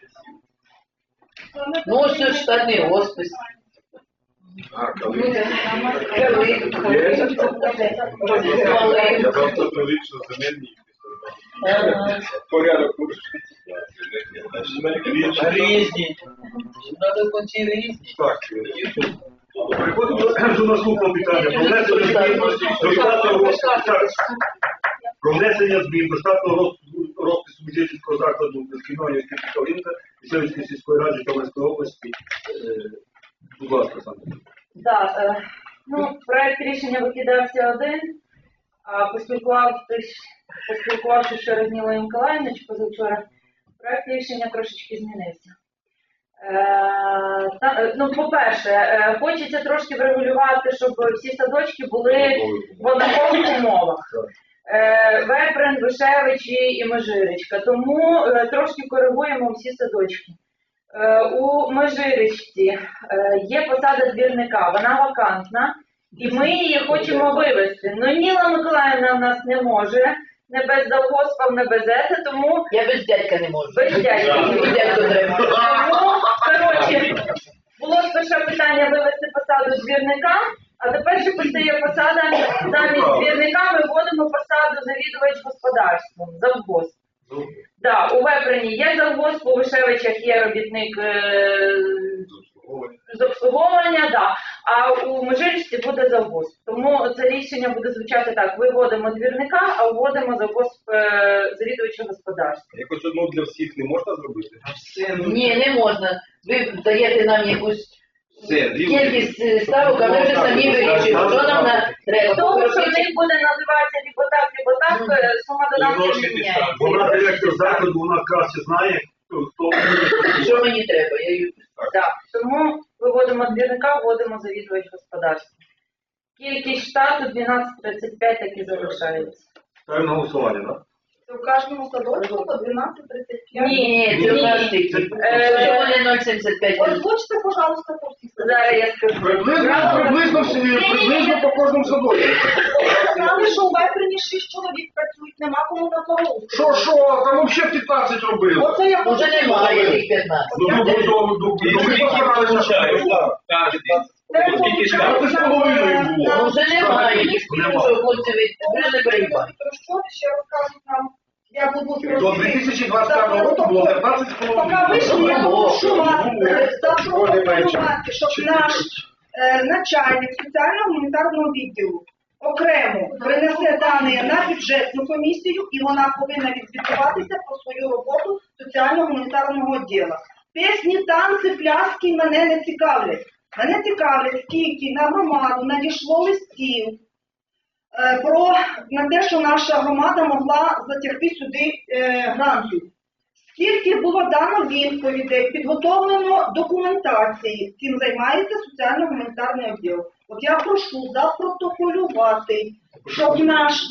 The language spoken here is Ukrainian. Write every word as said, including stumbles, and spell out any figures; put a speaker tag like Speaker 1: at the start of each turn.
Speaker 1: Ну, ось це штатний розпис.
Speaker 2: А, коли? Я просто привик, що земельні. Порядок.
Speaker 1: Різні. Надо в кінці різні.
Speaker 2: Так. Переходимо до наступного питання. Про внесення змін до штатного розпису. Про внесення змін до штатного розпису Мужицького закладу дошкільної освіти Калинка Місцевської сільської ради Житомирської області. Будь ласка, Сандра.
Speaker 3: Так, е, ну, проект рішення викидався один, а поспілкувавшись, поспілкувавшись ще з Нілою Миколаївною позавчора, проект рішення трошечки змінився. Е, та, ну, по-перше, е, хочеться трошки врегулювати, щоб всі садочки були в однакових умовах. Е, Веприн, Вишевичі і Межиричка. Тому е, трошки коригуємо всі садочки. У Межиричці є посада двірника, вона вакантна, і ми її хочемо вивезти. Ну, Ніла Миколаївна в нас не може, не без завгоспа, не без ете, тому...
Speaker 1: Я без дядька не можу.
Speaker 3: Без дядька.
Speaker 1: Без дядька треба.
Speaker 3: Тому, коротше, було спершу питання вивезти посаду двірника, а тепер ще постає посада, замість двірника ми вводимо посаду завідувач господарством, завгосп. Так, да, у Веприні є завгосп, у Вишевичах є робітник е з обслуговування, да, а у Межиричці буде завгосп. Тому це рішення буде звучати так: виводимо двірника, а вводимо завгосп е завідувача господарства.
Speaker 2: Якось одну для всіх не можна зробити?
Speaker 1: Ні, не можна. Ви даєте нам якусь кількість ставок, а ми вже самі вирішуємо, що нам треба.
Speaker 3: Тому що в них буде називатися либо так, либо так, сума додатку не міняється.
Speaker 2: Вона директор закладу, вона краще знає, хто...
Speaker 1: Що мені треба? Я її...
Speaker 3: Так, тому виводимо двірника, вводимо завідувач господарства. Кількість штату дванадцять тридцять п'ять так і залишається.
Speaker 2: Ставимо на голосування, так?
Speaker 4: У кожному садочку по дванадцять тридцять п'ять.
Speaker 3: Ні,
Speaker 1: Це в нас тільки. Чому не нуль сімдесят п'ять?
Speaker 4: Озвучте, пожалуйста, по всіх садочках.
Speaker 3: Зараз я скажу.
Speaker 2: Приблизно, приблизно, приблизно по кожному садочку.
Speaker 4: Ви сказали, що у Веприні шість чоловік працюють, нема кому на дорогу.
Speaker 2: Що, що? Там взагалі п'ятнадцять робили.
Speaker 4: Оце я
Speaker 1: Уже немає тих п'ятнадцять.
Speaker 2: Ну, до, до, до, до, ми постаралися. Ти з половиною було.
Speaker 1: Ну, вже немає. Їх скажу, що хлопці вже не перебувають.
Speaker 4: Що ще розкажуть нам? Я буду
Speaker 2: До дві тисячі двадцять п'ятого року було п'ятнадцять з половиною.
Speaker 4: Поки вийшли, я прошу вас запропонувати, щоб наш е, начальник соціально-гуманітарного відділу окремо принесе дані на бюджетну комісію, і вона повинна відзвітуватися про свою роботу соціально-гуманітарного відділу. Пісні, танці, пляски мене не цікавлять. Мене цікавлять, скільки на громаду надійшло листів е, про на те, що наша громада могла затягти сюди е, грантів. Скільки було дано відповідей, підготовлено документації, цим займається соціально-гуманітарний відділ. От я прошу запротоколювати, щоб наш